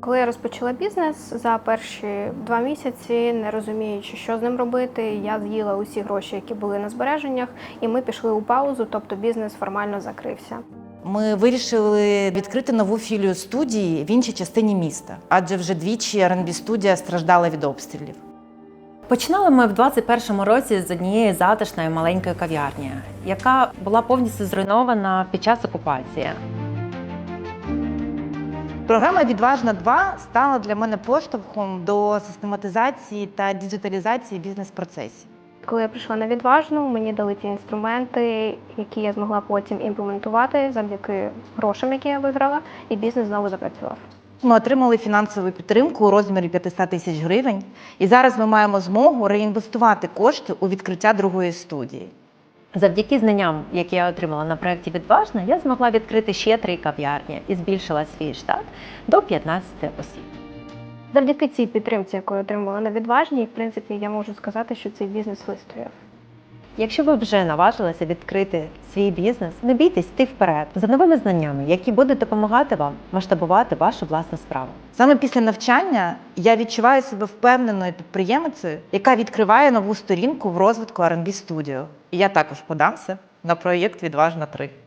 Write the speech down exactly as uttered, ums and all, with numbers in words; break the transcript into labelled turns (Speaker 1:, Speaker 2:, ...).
Speaker 1: Коли я розпочала бізнес, за перші два місяці, не розуміючи, що з ним робити, я з'їла усі гроші, які були на збереженнях, і ми пішли у паузу, тобто бізнес формально закрився.
Speaker 2: Ми вирішили відкрити нову філію студії в іншій частині міста, адже вже двічі ар енд бі-студія страждала від обстрілів.
Speaker 3: Починали ми в двадцять першому році з однієї затишної маленької кав'ярні, яка була повністю зруйнована під час окупації.
Speaker 2: Програма «Відважна два» стала для мене поштовхом до систематизації та діджиталізації бізнес-процесів.
Speaker 1: Коли я прийшла на «Відважну», мені дали ті інструменти, які я змогла потім імплементувати завдяки грошам, які я виграла, і бізнес знову запрацював.
Speaker 2: Ми отримали фінансову підтримку у розмірі п'ятсот тисяч гривень, і зараз ми маємо змогу реінвестувати кошти у відкриття другої студії.
Speaker 3: Завдяки знанням, які я отримала на проєкті «Відважна», я змогла відкрити ще три кав'ярні і збільшила свій штат до п'ятнадцяти осіб.
Speaker 1: Завдяки цій підтримці, яку я отримала на «Відважній», в принципі, я можу сказати, що цей бізнес вистояв.
Speaker 3: Якщо ви вже наважилися відкрити свій бізнес, не бійтесь йти вперед за новими знаннями, які будуть допомагати вам масштабувати вашу власну справу.
Speaker 2: Саме після навчання я відчуваю себе впевненою підприємицею, яка відкриває нову сторінку в розвитку ар енд бі-студіо. І я також подамся на проєкт «Відважна три».